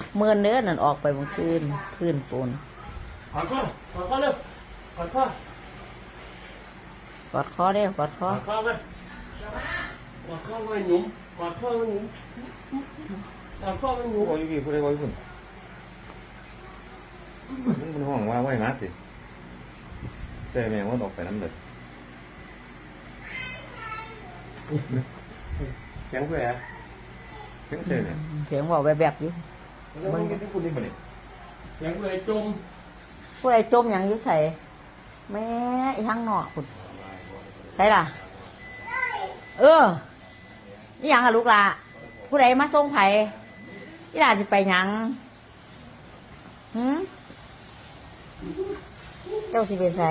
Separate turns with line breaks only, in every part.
เมินเนื้อนั่นออกไปบางซื่นพื้นปูน
กอดข้อเร็วกอดข้อก
อดคอเด้อกอดค
ก
อ
อดข้อไปกอดข้อไว้หนุ่มกอดข้อไว้หนุ่มกอดข้อไว้หนุ่ม
โอ้ยพี่พูดได้ว่าคุณมันห้องว่าไว้มาสิใช่แม่ว่าออกไปน้ำเดือด
เสียงเพื่อ
เพิ่งเจอเนี่ย
เสียงบอกแบบๆอยู่
มันกินที่คุณนี่บ่เนี่ย
เสียงเพื่อจม
ผู้ใดจมอย่างอยู่ใส่แม่อีทั้งนอกคุณใส่ล่ะนี่ยังค่ะลูกละผู้ใดมาส่งไผ่นี่ล่ะจะไปยังเจ้าสิไปใส่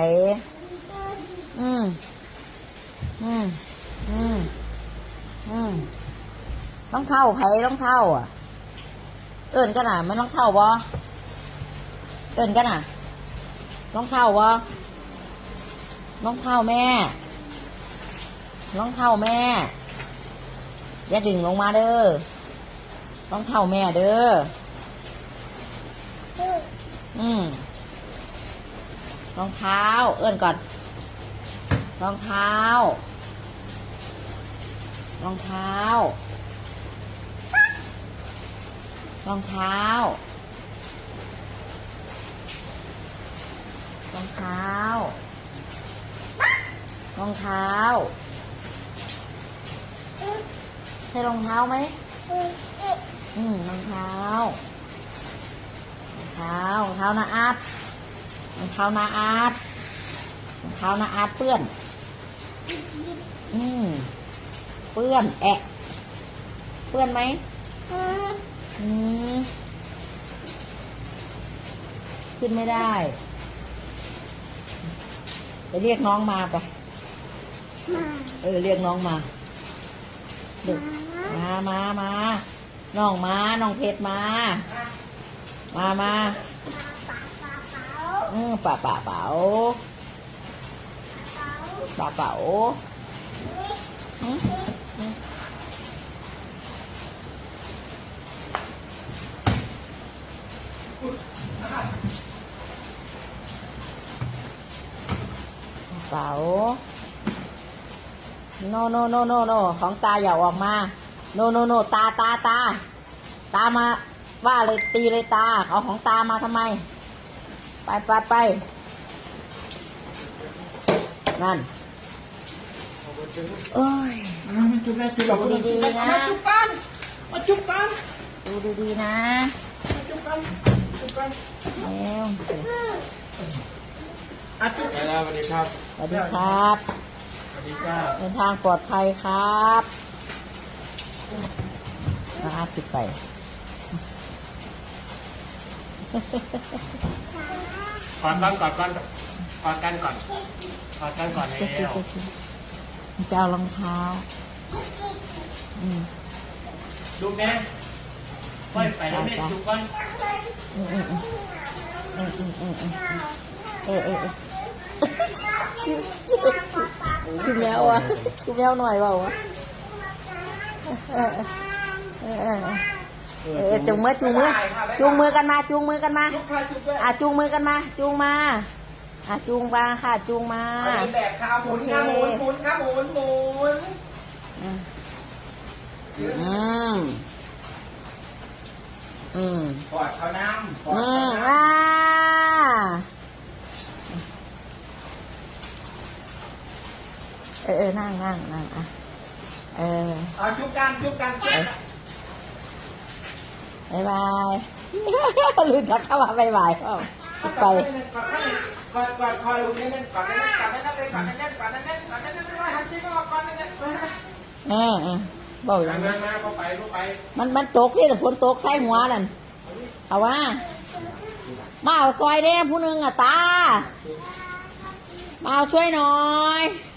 รองเท้าไผ่รองเท้าอ่ะเอิ้นกันน่ะมันรองเท้าบ่เอิ้นกันน่ะรองเท้าบ่รองเท้าแม่รองเท้าแม่อย่าดึงลงมาเด้อรองเท้าแม่เด้อรองเท้าเอิ้นก่อนรองเท้ารองเท้ารองเท้ารองเท้ารองเท้าใช่รองเท้าไหมรองเท้ารองเท้ารองเท้านาอาร์ตรองเท้านาอาร์ตรองเท้านาอาร์ตเปื้อนเปื้อนแอะเปื้อนไหมขึ้นไม่ได้ไปเรียกน้องมาไปเรียกน้องมาดึกมาน้องมาน้องเพชรมาป่าเป๋าป่าเป๋าเป๋าโนของตาอย่าออกมาโนตามาว่าเลยตีเลยตาเอาของตามาทำไมไปนั่นโอ้ย
มาจุ๊บนะจุ๊บ
ดูดีๆนะ
มาจุ๊บกัน
ดูดีๆนะ
จุ๊บกัน
แล้ว
จุ๊บสวัสดีครับ
สวัสดีครับ
สวัสดีจ้า
เดินทางปลอดภัยครับอาสิไป
กอดกันก่อนแล้ว
จะเอารองเท้า
ดูแม่ค่อยไปแล้วแม่จุ๊บกัน
คือแมวอ่ะคือแมวหน่อยเปล่าวะจูงมือกันมาจูงมือกันมาจูงมาค่ะจูงมา
แบบขาหมุนขาหมุนขาหมุนกอดเขาน้ำ
นั่งอ่ะ
เอาจุ๊บกัน
บายบายรู้จักเข้ามาบายเปล่าไป
กอดคอลุงนี่นั่นกอดนั่นหันจิ้มออกกอดนั่น
บอกอย่าง
นั้
นั้น น
เข้าไป
มันตกนี่ฝนตกใส่หัวนั่นเอาว่ามาเอาซอยเด้ผู้นึงอ่ะตามาเอาช่วยหน่อย